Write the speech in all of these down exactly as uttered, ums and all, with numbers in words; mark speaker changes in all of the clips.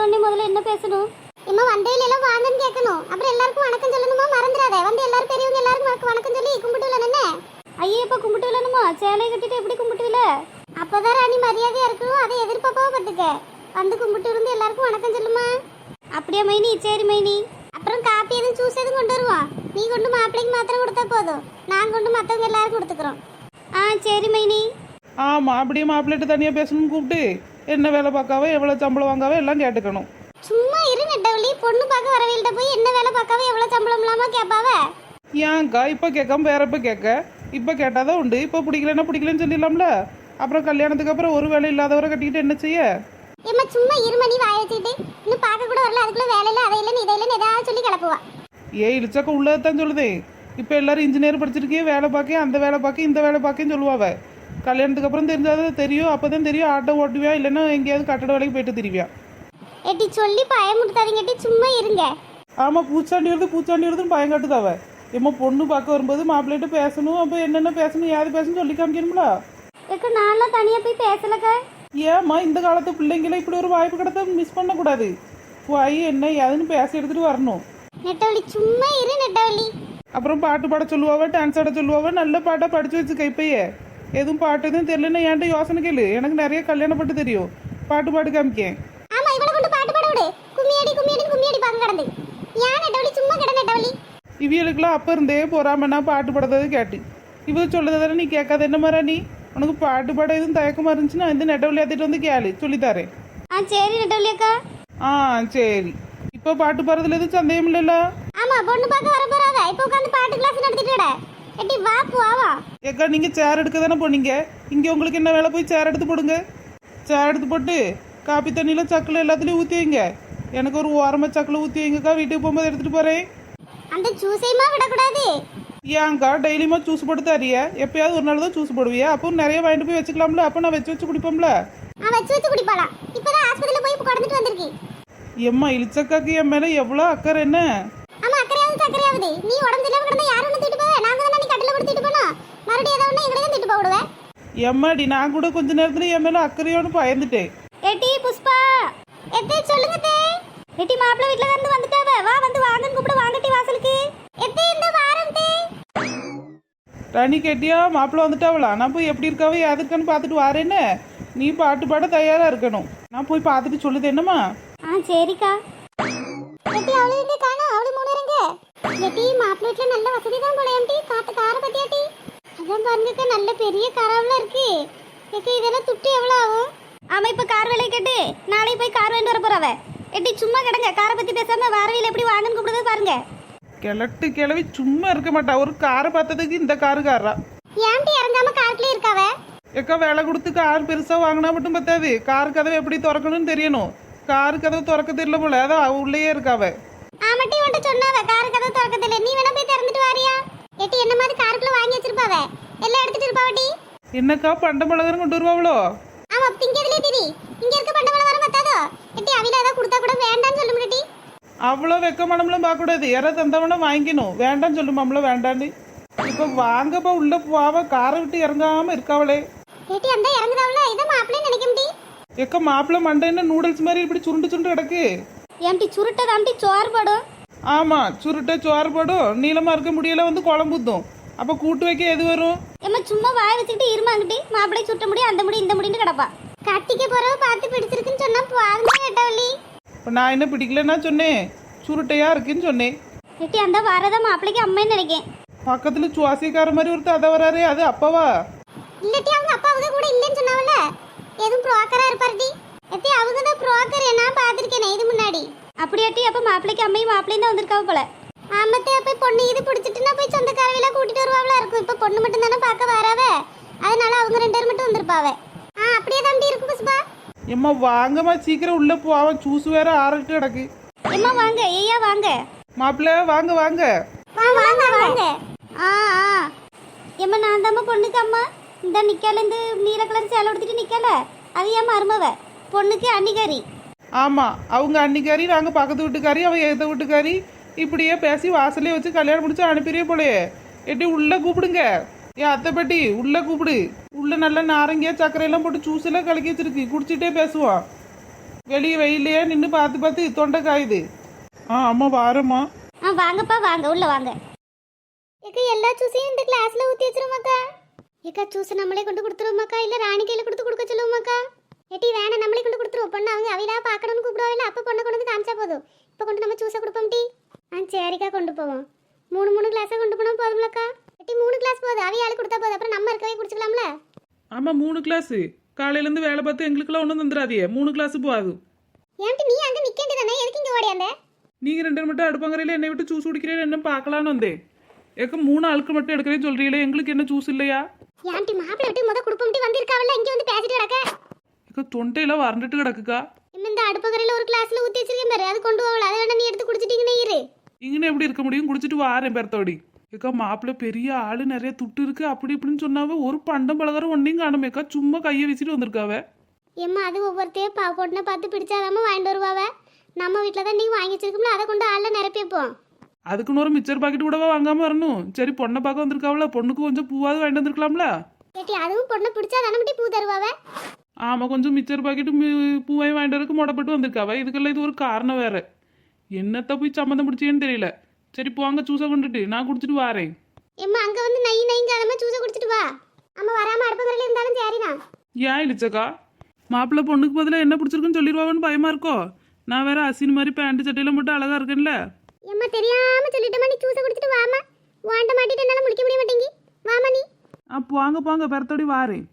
Speaker 1: வந்தோடனே முதல்ல என்ன பேசணும்?
Speaker 2: இம்மா வந்தேல எல்லாம் வாங்கன்னு கேட்கணும். அப்புறம் எல்லாருக்கும் வணக்கம் சொல்லணுமா, மறந்துடாத. வந்து எல்லாரும் பெரியவங்க எல்லாரும் உனக்கு வணக்கம் சொல்லி கும்பிட்டு விடணும்னே.
Speaker 1: ஐயே இப்ப கும்பிட்டு விடணுமா? சேலை கட்டிட்டு எப்படி கும்பிட்டு விட?
Speaker 2: அப்பதான் ராணி மரியாதையா இருக்கணும். அதை எதிர்பார்ப்பாவ பத்துக்க. வந்து கும்பிட்டு இருந்து எல்லாருக்கும் வணக்கம் சொல்லுமா.
Speaker 1: அப்படியே மைனி. சரி மைனி.
Speaker 2: அப்புறம் காப்பி எதுவும் ஜூஸ் எதுவும் கொண்டு வருவான். நீ கொண்டு மாப்பிள்ளைக்கு மாத்திரம் கொடுத்தா போதும். நான் கொண்டு மற்றவங்க எல்லாரும் கொடுத்துக்கிறோம்.
Speaker 1: ஆ சரி மைனி.
Speaker 3: ஆமாம், அப்படியே மாப்பிள்ளைட்டு தனியாக பேசணும்னு கூப்பிட்டு என்ன வேலை பார்க்காவோ எவ்வளோ சம்பளம் வாங்காவோ எல்லாம் கேட்டுக்கணும்.
Speaker 2: சும்மா இரு நெட்டவழி. பொண்ணு பார்க்க வரவேல்கிட்ட போய் என்ன வேலை பார்க்காவ எவ்வளோ சம்பளம் இல்லாம கேட்பாவ.
Speaker 3: ஏன்க்கா இப்போ கேட்காம வேற இப்போ கேட்க? இப்போ கேட்டாதான் உண்டு. இப்போ பிடிக்கலன்னா பிடிக்கலன்னு சொல்லிடலாம்ல. அப்புறம் கல்யாணத்துக்கு அப்புறம் ஒரு வேலை இல்லாதவரை கட்டிக்கிட்டு என்ன செய்ய?
Speaker 2: ஏம்மா சும்மா இரு மணி வாய வச்சுக்கிட்டு இன்னும் பார்க்க கூட வரல. அதுக்குள்ள வேலை இல்லை, அதை இல்லைன்னு இதை இல்லைன்னு ஏதாவது சொல்லி கிளப்புவா.
Speaker 3: ஏ இழிச்சாக்க உள்ளதான் சொல்லுதே. இப்போ எல்லாரும் இன்ஜினியர் படிச்சிருக்கே, வேலை பார்க்க அந்த வேலை பார்க்க இந்த வேலை பார்க்கன்னு சொல்லுவாவ. கல்யாணத்துக்கு அப்புறம் தெரிஞ்சாதான் தெரியும். அப்போதான் தெரியும் ஆட்டோ ஓட்டுவியா இல்லைன்னா எங்கேயாவது கட்டட வேலைக்கு போயிட்டு திரிவியா.
Speaker 2: எட்டி சொல்லி பயமுடுத்தாதீங்கட்டி, சும்மா இருங்க.
Speaker 3: ஆமாம், பூச்சாண்டி வருது பூச்சாண்டி வருதுன்னு பயம் காட்டுதாவ. ஏம்மா பொண்ணு பார்க்க வரும்போது மாப்பிள்ளைகிட்ட பேசணும். அப்போ என்னென்ன பேசணும் ஏது பேசணும் சொல்லி காமிக்கணும்ல.
Speaker 1: ஏக்க நான்லாம் தனியா போய் பேசலக்க.
Speaker 3: ஏம்மா இந்த காலத்து பிள்ளைங்களை இப்படி ஒரு வாய்ப்பு கிடைத்தா மிஸ் பண்ணக்கூடாது. போய் என்ன ஏதுன்னு பேச எடுத்துட்டு வரணும்.
Speaker 2: நெட்டவழி சும்மா இரு நெட்டவழி.
Speaker 3: அப்புறம் பாட்டு பாட சொல்லுவாவ, டான்ஸ் ஆட சொல்லுவாவ. நல்ல பாட்டாக படிச்சு வச்சுக்க. இப்பயே எதுவும் பாட்டு எதுவும் தெரியலன்னா என்கிட்ட யோசனை கேளு. எனக்கு நிறைய கல்யாணம் பாட்டு தெரியும். பாட்டு பாட்டு காமிக்கேன்.
Speaker 2: ஆமா இவளை கொண்டு பாட்டு பாட விடு. கும்மியடி கும்மியடி கும்மியடி பாங்க கடந்து. ஏன் நெட்டவழி சும்மா கிட நெட்டவழி.
Speaker 3: இவியலுக்குலாம் அப்போ இருந்தே போறாமன்னா பாட்டு பாடுறது கேட்டு இவ சொல்லதானே நீ கேட்காத. என்ன மாதிரி நீ உனக்கு பாட்டு பாட எதுவும் தயக்கமா இருந்துச்சுன்னா இந்த நெட்ட விளையாத்திட்டு வந்து கேளு, சொல்லித்தாரேன்.
Speaker 1: ஆ சரி நெட்டவழி அக்கா.
Speaker 3: ஆ சரி. இப்போ பாட்டு பாடுறதுல எதுவும் சந்தேகம் இல்லைல்ல?
Speaker 2: ஆமா பொண்ணு பார்க்க வர போறாத. இப்போ உட்காந்து பாட்டு கிளாஸ் நடத்திட்டு விட. எட்டி வா போவா.
Speaker 3: ஏக்கா நீங்க சேர் எடுக்க தானே போனீங்க. இங்க உங்களுக்கு என்ன வேலை? போய் சேர் எடுத்து போடுங்க. சேர் எடுத்து போட்டு காப்பி தண்ணியில சக்கில் எல்லாத்துலயும் ஊற்றி வைங்க. எனக்கு ஒரு ஓரமா சக்கில் ஊற்றி வைங்கக்கா. வீட்டுக்கு போகும்போது எடுத்துட்டு போறேன்.
Speaker 2: அந்த ஜூஸையுமா விடக்கூடாது.
Speaker 3: ஏன்க்கா டெய்லியுமா ஜூஸ் போட்டு தரியா? எப்பயாவது ஒரு நாள் தான் ஜூஸ் போடுவியா? அப்போ நிறைய வாங்கிட்டு போய் வச்சுக்கலாம்ல. அப்போ நான் வச்சு வச்சு குடிப்போம்ல.
Speaker 2: ஆ வச்சு வச்சு குடிப்பாளா. இப்பதான் ஆஸ்பத்திரியில போய் கடந்துட்டு வந்திருக்கி.
Speaker 3: எம்மா இழிச்சக்காக்கு என் மேல எவ்வளோ அக்கறை என்ன?
Speaker 2: ஆமா அக்கறையாவது சக்கரையாவது. நீ உடம்பு இல்லாம கிடந்தா யாரும் ஒன்று திட்டு போவ. நாங்க தானே நீ கட்டில போட்டு திட்டு போனோம். மறுபடியும் ஏதாவது ஒன்று எங்களை தான் திட்டு போடுவேன்.
Speaker 3: எம்மாடி நான் கூட கொஞ்ச நேரத்துல என் மேல அக்கறையோடு பயந்துட்டேன்.
Speaker 1: ஏட்டி புஷ்பா.
Speaker 2: எத்தே சொல்லுங்க தே.
Speaker 1: ஏட்டி மாப்பிள்ளை வீட்ல இருந்து வந்துட்டாவ. வா வந்து வாங்கன்னு கூப்பிட. வாங்கட்டி வாசலுக்கு.
Speaker 2: எத்தே இந்த வாரம் தே.
Speaker 3: ராணி கேட்டியா? மாப்பிள்ளை வந்துட்டாவளா? நான் போய் எப்படி இருக்காவோ யாதுக்கான்னு பார்த்துட்டு வாரேன்னு. நீ பாட்டு பாட தயாரா இருக்கணும். நான் போய் பார்த்துட்டு சொல்லுது என்னம்மா.
Speaker 1: ஆ சரிக்கா.
Speaker 2: எட்டி அவளை எங்க காணோம்? அவளை மூணறங்க. எட்டி மாப்பிள்ளை வீட்ல நல்ல வசதி தான் போல. எம்டி காத்து கார பத்தியாட்டி. அதான் பாருங்கக்கா நல்ல பெரிய காராவெல்லாம் இருக்கு. எக்க இதெல்லாம் துட்டு எவ்வளவு ஆகும்?
Speaker 1: ஆமா இப்ப கார் வேலையை கேட்டு நாளைக்கு போய் கார் வாங்கிட்டு வர போறவ. எட்டி சும்மா கிடங்க. காரை பத்தி பேசாம வாரவியில் எப்படி வாங்கன்னு கூப்பிடுறது பாருங்க.
Speaker 3: கிழட்டு கிளவி சும்மா இருக்க மாட்டா. ஒரு காரை பார்த்ததுக்கு இந்த காரு காரா.
Speaker 2: ஏன்டி இறங்காம காருக்குள்ளே இருக்காவ?
Speaker 3: எக்கா வேலை கொடுத்து கார் பெருசா வாங்கினா மட்டும் பத்தாது. கார் கதவை எப்படி திறக்கணும்னு தெரியணும். கார் கதவை திறக்க தெரியல போல. அதான் அவ உள்ளேயே இருக்காவ.
Speaker 2: ஆமாட்டி உன்ட்ட சொன்னாவ காரு கதவு திறக்கதில்ல. நீ வேணா போய் திறந்துட்டு வாரியா? எட்டி என்ன மாதிரி காருக்குள்ள வாங்கி வச்சிருப்பாவ. எல்லாம் எடுத்துட்டு இருப்பாவட்டி.
Speaker 3: என்னக்கா பண்ட மிளகரம் கொண்டு வருவாவளோ?
Speaker 2: ஆமா திங்கிறதுலே திரி. இங்க இருக்க பண்டவள வர மாட்டாதோ. எட்டி அவில ஏதாவது கொடுத்தா கூட வேண்டாம்னு சொல்ல முடியட்டி.
Speaker 3: அவ்வளோ வெக்க மனம்லாம் பார்க்கக்கூடாது. யாராவது தந்தவனா வாங்கிக்கணும். வேண்டாம்னு சொல்லுமாம்ல வேண்டான்னு. இப்போ வாங்கப்பா உள்ள போவ. காரை விட்டு இறங்காம இருக்காவளே.
Speaker 2: எட்டி அந்த இறங்குதாவல இத மாப்பிளே நினைக்க முடி.
Speaker 3: எக்க மாப்பிள்ள மண்டை என்ன நூடுல்ஸ் மாதிரி இப்படி சுருண்டு சுருண்டு கிடக்கு.
Speaker 1: ஏம்டி சுருட்டதாம்டி சோறு போடும்.
Speaker 3: ஆமா சுருட்ட சோறு போடும். நீளமா இருக்க முடியல வந்து குழம்புத்தும். அப்ப கூட்டு வைக்க எது வரும்?
Speaker 1: ஏம்மா சும்மா வாய் வச்சுக்கிட்டு இருமாங்கிட்டி. மாப்பிள்ளை சுட்ட முடி அந்த முடி இந்த முடின்னு கிடப்பா.
Speaker 2: கட்டிக்க போறவ பார்த்து பிடிச்சிருக்குன்னு சொன்னா பாருங்க நெட்டவள்ளி.
Speaker 3: இப்போ நான் என்ன பிடிக்கலன்னா சொன்னேன். சுருட்டையா இருக்குன்னு சொன்னேன்.
Speaker 1: எட்டி அந்த வாரதா மாப்பிள்ளைக்கு அம்மைன்னு நினைக்கேன்.
Speaker 3: பக்கத்துல சுவாசிக்கார மாதிரி ஒருத்தர் அதை வராரு. அது அப்பாவா?
Speaker 2: இல்லட்டி அவங்க அப்பா அவங்க கூட இல்லன்னு சொன்னாவல. எதுவும் புரோக்கரா இருப்பாருடி. எத்தி அவங்க தான் புரோக்கர். நான் பாத்திருக்கேனே இது முன்னாடி.
Speaker 1: அப்படியாட்டி அப்ப மாப்பிள்ளைக்கு அம்மையும் மாப்பிள்ளையும் தான் வந்திருக்காவ போல.
Speaker 2: ஆமத்தே போய் பொண்ணு இது பிடிச்சிட்டுனா போய் சொந்தக்காரவில கூட்டிட்டு வருவாவளா இருக்கும். இப்ப பொண்ணு மட்டும் தானே பார்க்க வராவ. அதனால அவங்க ரெண்டு பேரும் மட்டும் வந்திருப்பாவ. ஆ அப்படியே தான் இருக்கு புஷ்பா.
Speaker 3: எம்மா வாங்கம்மா சீக்கிரம் உள்ள போவன். ஜூஸ் வேற ஆறிட்டு கிடக்கு.
Speaker 1: எம்மா வாங்க. ஐயா வாங்க.
Speaker 3: மாப்பிள்ள வாங்க வாங்க.
Speaker 2: வா வாங்க வாங்க.
Speaker 1: ஆ ஆ எம்மா நான் தாம்மா பொண்ணுக்கு அம்மா. இந்த நிக்கல இந்த நீல கலர் சேலை உடுத்திட்டு நிக்கல. அது ஏன் மருமவ பொண்ணுக்கு அன்னிகாரி.
Speaker 3: ஆமா அவங்க அன்னிக்காரி, நாங்க பக்கத்து வீட்டுக்காரி, அவ எத வீட்டுக்காரி. இப்படியே பேசி வாசலே வச்சு கல்யாணம் முடிச்சு அனுப்பிடுவே போலயே. எட்டி உள்ள கூப்பிடுங்க. ஏன் அத்தை பாட்டி உள்ள கூப்பிடு. உள்ள நல்ல நாரங்கியா சர்க்கரை எல்லாம் போட்டு ஜூஸ் எல்லாம் கலக்கி வச்சிருக்கு. குடிச்சிட்டே பேசுவான். வெளியே வெயிலையே நின்று பார்த்து பார்த்து தொண்டை காயுது. ஆ அம்மா வாரம்மா.
Speaker 1: ஆ வாங்கப்பா வாங்க உள்ள வாங்க.
Speaker 2: ஏக்கா எல்லா ஜூஸையும் இந்த கிளாஸ்ல ஊத்தி வச்சிருமாக்கா. ஏக்கா ஜூஸ் நம்மளே கொண்டு கொடுத்துருவோமாக்கா இல்ல ராணி கையில கொடுத்து கொடுக்க சொல்லுவோமாக்கா? ஏட்டி வேணா நம்மளே கொண்டு கொடுத்துருவோம். பொண்ணு அவங்க அவையிலா பார்க்கணும்னு கூப்பிடுவாங்க. அப்ப பொண்ணை கொண்டு வந்து காமிச்சா போதும். இப்போ கொண்டு நம்ம ஜூஸை கொடுப்போம் டி. ஆ சரிக்கா கொண்டு போவோம். மூணு மூணு கிளாஸை கொண்டு போனா போதும்லக்கா? ஏட்டி மூணு கிளாஸ் போதும். அவையாளு கொடுத்தா போதும். அப்புறம் நம்ம இருக்கவே குடிச்சுக்கலாம்ல?
Speaker 3: ஆமாம் மூணு கிளாஸு. காலையிலேருந்து வேலை பார்த்து எங்களுக்கெல்லாம் ஒன்றும் தந்துடாதியே. மூணு கிளாஸு போகாது.
Speaker 2: ஏன்ட்டு நீ அங்க நிக்க வேண்டியதானே? எதுக்கு இங்க ஓடியாந்த?
Speaker 3: நீங்கள் ரெண்டு மட்டும் அடுப்பங்கரையில் என்னை விட்டு ஜூஸ் குடிக்கிறேன்னு என்ன பார்க்கலான்னு வந்தேன். ஏக்க மூணு ஆளுக்கு மட்டும் எடுக்கிறேன்னு சொல்கிறீங்களே, எங்களுக்கு என்ன ஜூஸ் இல்லையா?
Speaker 2: ஏன்ட்டி மாப்பிள்ளை விட்டு முத குடுப்பம்ட்டி வந்திருக்காவல்ல, இங்க வந்து பேசிட்டு கிடக்க.
Speaker 3: ஏக்க தொண்டையில் வறண்டுட்டு கிடக்குக்கா.
Speaker 2: இன்னும் இந்த அடுப்பகரையில ஒரு கிளாஸ்ல ஊத்தி வச்சிருக்கேன் பாரு, அது கொண்டு போகல. அதை வேணா நீ எடுத்து குடிச்சிட்டீங்கன்னு இரு.
Speaker 3: இங்கே எப்படி இருக்க முடியும்? குடிச்சிட்டு வாரேன் பெருத்தோடி. ஏக்கா மாப்பிள்ளை பெரிய ஆளு, நிறைய துட்டு இருக்கு அப்படி இப்படின்னு சொன்னாவ. ஒரு பண்டம் பலகாரம் ஒன்றையும் காணுமேக்கா. சும்மா கையை வீசிட்டு வந்திருக்காவ.
Speaker 2: ஏம்மா அது ஒவ்வொருத்தையும் பா பொண்ணை பார்த்து பிடிச்சாதாம வாங்கிட்டு வருவாவ. நம்ம வீட்டில் தான் நீங்கள் வாங்கி வச்சிருக்கோம்ல, அதை கொண்டு ஆளில் நிரப்பி வைப்போம்.
Speaker 3: அதுக்குன்னு ஒரு மிச்சர் பாக்கெட் கூடவா வாங்காம வரணும்? சரி பொண்ணை பார்க்க வந்திருக்காவல, பொண்ணுக்கு கொஞ்சம் பூவாவது வாங்கிட்டு வந்திருக்கலாம்ல.
Speaker 2: ஏட்டி அதுவும் பொண்ணை பிடிச்சா தானே மட்டும் பூ தருவாவ.
Speaker 3: ஆமாம் கொஞ்சம் மிச்சர் பாக்கெட்டு பூவாயும் வாங்கிட்டு வரக்கு முடப்பட்டு வந்திருக்காவ. இதுக்கெல்லாம் இது ஒரு காரணம் வேற. என்னத்த போய் சம்மந்தம் பிடிச்சேன்னு தெரியல. சரி போங்க ஜூஸை கொண்டுட்டு நான் குடிச்சிட்டு வாரேன்.
Speaker 2: ஏம்மா அங்கே வந்து நை நைங்காதமா ஜூஸை குடிச்சிட்டு வா. அம்மா வராமல் அடுப்பகரையில் இருந்தாலும் சரிண்ணா.
Speaker 3: ஏன் இழிச்சக்கா? மாப்பிள்ளை பொண்ணுக்கு பதிலாக என்ன பிடிச்சிருக்குன்னு சொல்லிடுவான்னு பயமா இருக்கோ? நான் வேற அசின் மாதிரி பேண்ட் சட்டையில மட்டும் அழகா இருக்கேன்ல.
Speaker 2: ஏம்மா தெரியாம சொல்லிட்டேம்மா, நீ ஜூஸை குடிச்சிட்டு வாமா. வாண்ட மாட்டிட்டு என்னால் முடிக்க முடிய மாட்டேங்கி. வாமா நீ.
Speaker 3: அப்போ வாங்க போங்க பெறத்தோடி வாரேன்.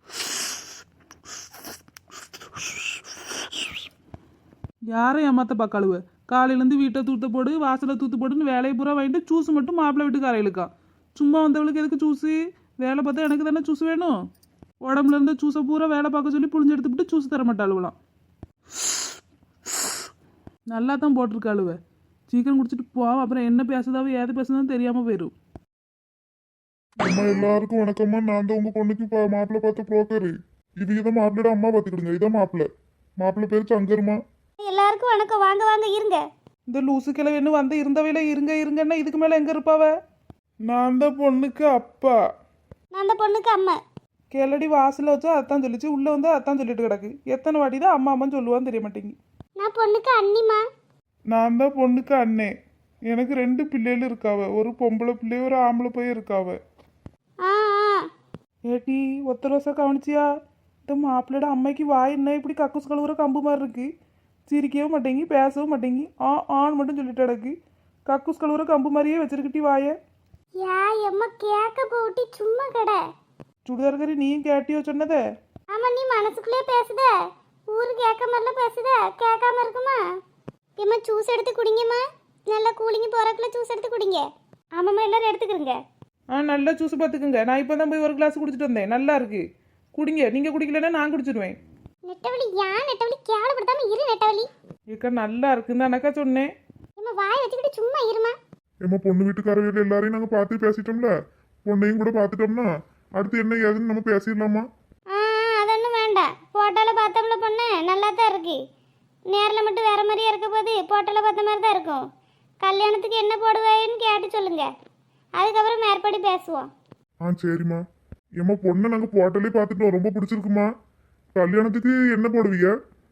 Speaker 3: யாரும் ஏமாத்த பார்க்காளுவ. காலையிலேருந்து வீட்டை தூத்த போடு வாசலை தூத்து போடுன்னு வேலையை பூரா வாங்கிட்டு ஜூஸ் மட்டும் மாப்பிள்ளை வீட்டு காரையிலுக்கா. சும்மா வந்தவளுக்கு எதுக்கு ஜூஸு? வேலை பார்த்தா எனக்கு தானே ஜூஸ் வேணும். உடம்புல இருந்து ஜூஸை பூரா வேலை பார்க்க சொல்லி புழிஞ்சு எடுத்துக்கிட்டு ஜூஸ் தர மாட்டாளுவலாம். நல்லா தான் போட்டிருக்காளுவ. சீக்கிரம் குடிச்சிட்டு போவோம். அப்புறம் என்ன பேசுதாவோ ஏது பேசுதான்னு தெரியாமல் போயிடும்.
Speaker 4: அம்மா எல்லாருக்கும் வணக்கம்மா. நான் தான் உங்க பொண்ணுக்கு இப்போ மாப்பிள்ளை பார்த்த புரோக்கரு. இது இதை மாப்பிள்ளையோட அம்மா பார்த்துக்கிடுங்க. இதான் மாப்பிள்ளை. மாப்பிள்ளை பேர் சங்கருமா.
Speaker 1: எல்லாருக்கும் வணக்கம். வாங்க வாங்க இருங்க.
Speaker 3: இந்த லூசு கிழவின்னு வந்து இருந்தவையில இருங்க இருங்கன்னா இதுக்கு மேலே எங்கே இருப்பாவ?
Speaker 4: நான் தான் பொண்ணுக்கு அப்பா.
Speaker 1: நான் அந்த பொண்ணுக்கு அம்மா.
Speaker 3: கேளடி வாசலில் வச்சா அத்தான் சொல்லிச்சு, உள்ளே வந்து அத்தான் சொல்லிட்டு கிடக்கு. எத்தனை வாட்டி தான் அம்மா அம்மான்னு சொல்லுவான்னு தெரிய மாட்டேங்கி.
Speaker 2: நான் பொண்ணுக்கு அண்ணிமா.
Speaker 4: நான் தான் பொண்ணுக்கு அண்ணே. எனக்கு ரெண்டு பிள்ளைகள் இருக்காவ. ஒரு பொம்பளை பிள்ளை ஒரு ஆம்பளை பையன் இருக்காவ.
Speaker 2: ஆ ஆ.
Speaker 3: ஏட்டி ஒத்த ரோசா கவனிச்சியா? இந்த மாப்பிள்ளையோட அம்மைக்கு வாய் என்ன இப்படி கக்கூஸ் கழுவுற கம்பு மாதிரி இருக்கு. சிரிக்கவும் மாட்டேங்கி பேசவும் மாட்டேங்கி ஆ ஆன்னு மட்டும் சொல்லிட்டு கிடக்கு. கக்கூஸ் கழுவுற கம்பு மாதிரியே வச்சிருக்கிட்டி வாய.
Speaker 2: யா எம்மா கேட்க போட்டி சும்மா கடை.
Speaker 3: சுடிதார்கறி நீயும் கேட்டியோ சொன்னதே?
Speaker 2: ஆமா நீ மனசுக்குள்ளே பேசுத. ஊரு கேட்க மாதிரிலாம் பேசுத. கேட்காம இருக்குமா? ஏம்மா ஜூஸ் எடுத்து குடிங்கம்மா. நல்லா கூலிங்க போறக்குள்ள ஜூஸ் எடுத்து குடிங்க.
Speaker 1: ஆமாம்மா எல்லாரும் எடுத்துக்கிறங்க.
Speaker 3: ஆ நல்லா ஜூஸ் பார்த்துக்குங்க. நான் இப்போ தான் போய் ஒரு கிளாஸ் குடிச்சிட்டு வந்தேன். நல்லா இருக்கு, குடிங்க. நீங்கள் குடிக்கலன்னா நான் குடிச்சிடுவேன்.
Speaker 2: நெட்டவலி யான் நெட்டவலி கேவலப்படுத்தாம இரு நெட்டவலி.
Speaker 3: ஏக்கா நல்லா இருக்குன்னு தானக்கா சொன்னேன்.
Speaker 2: ஏம்மா வாய் வச்சுக்கிட்டு சும்மா இருமா.
Speaker 4: ஏம்மா பொண்ணு வீட்டுக்காரர்கள் எல்லாரையும் நாங்கள் பார்த்து பேசிட்டோம்ல. பொண்ணையும் கூட பார்த்துட்டோம்னா அடுத்து என்ன ஏதுன்னு நம்ம பேசிடலாமா?
Speaker 1: ஆ அதொன்றும் வேண்டாம். போட்டோவில் பார்த்தோம்ல பொண்ணு நல்லா தான் இருக்கு. நேரில் மட்டும் வேற மாதிரியே இருக்க போது போட்டோவில் பார்த்த மாதிரி தான் இருக்கும். கல்யாணத்துக்கு என்ன போடுவேன்னு கேட்டு சொல்லுங்க. அதுக்கப்புறம் மேற்படி பேசுவோம்.
Speaker 4: ஆ சரிம்மா. ஏம்மா பொண்ணை நாங்கள் போட்டோலே பார்த்துட்டோம். ரொம்ப பிடிச்சிருக்குமா. கல்யாணத்துக்கு என்ன போடுவீங்க?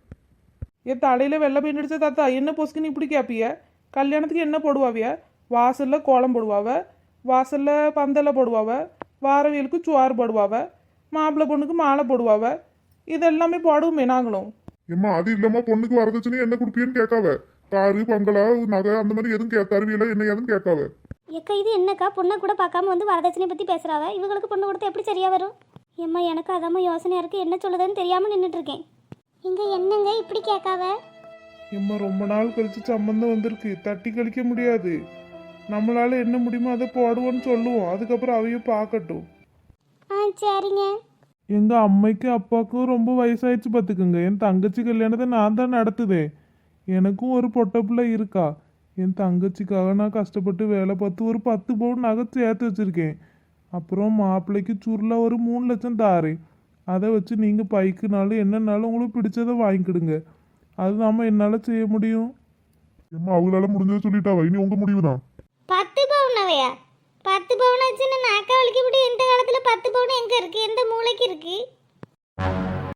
Speaker 3: என் தலையில் வெள்ளை பெயிண்ட் அடிச்ச தாத்தா என்ன பொசுக்குன்னு இப்படி கேட்பிய? கல்யாணத்துக்கு என்ன போடுவாவிய? வாசலில் கோலம் போடுவாவ, வாசலில் பந்தலை போடுவாவ, வாரவியலுக்கு சுவாறு போடுவாவ, மாப்பிள்ளை பொண்ணுக்கு மாலை போடுவாவ. இதெல்லாமே போடுவோமே நாங்களும்.
Speaker 4: ஏம்மா அது இல்லாம பொண்ணுக்கு வரதட்சணை என்ன கொடுப்பீன்னு கேட்காவ. காரு பங்களா நகை அந்த மாதிரி எதுவும் கே தருவியில என்ன ஏதுன்னு கேட்காவ.
Speaker 1: எக்கா இது என்னக்கா பொண்ணை கூட பார்க்காம வந்து வரதட்சணை பற்றி பேசுகிறாவ? இவங்களுக்கு பொண்ணு கொடுத்தா எப்படி சரியாக வரும்? ஏம்மா எனக்கு அதாம்மா யோசனையாக இருக்குது. என்ன சொல்லுதுன்னு தெரியாமல் நின்றுட்டுருக்கேன்.
Speaker 2: இங்க என்னங்க இப்படி கேட்காவ?
Speaker 4: ஏம்மா ரொம்ப நாள் கழிச்சு சம்பந்தம் வந்திருக்கு. தட்டி கழிக்க முடியாது. நம்மளால என்ன முடியுமோ அதை போடுவோன்னு சொல்லுவோம். அதுக்கப்புறம் அவையும் பார்க்கட்டும்.
Speaker 2: ஆ சரிங்க.
Speaker 4: எங்கள் அம்மைக்கும் அப்பாவுக்கும் ரொம்ப வயசாயிடுச்சு பார்த்துக்குங்க. என் தங்கச்சி கல்யாணத்தை நான் தான் நடத்துதேன். எனக்கும் ஒரு பொட்டை பிள்ளை இருக்கா. என் தங்கச்சிக்காக நான் கஷ்டப்பட்டு வேலை பார்த்து ஒரு பத்து பவுன் நகை சேர்த்து வச்சுருக்கேன். அப்புறம் மாப்பிள்ளைக்கு சுருளா ஒரு மூணு லட்சம் தாரேன். அதை வச்சு நீங்கள் பைக்குனாலும் என்னன்னாலும் உங்களுக்கு பிடிச்சதை வாங்கிக்கிடுங்க. அது நாம என்னால் செய்ய முடியும். ஏம்மா அவங்களால முடிஞ்சதை சொல்லிட்டாவா? இனி உங்கள் முடிவு தான்.
Speaker 1: பத்து பவுனவையா? பத்து பவுன் வச்சுன்னு நாக்கா வலிக்க முடியும். இந்த காலத்தில் பத்து பவுன் எங்கே இருக்குது? எந்த மூளைக்கு இருக்குது?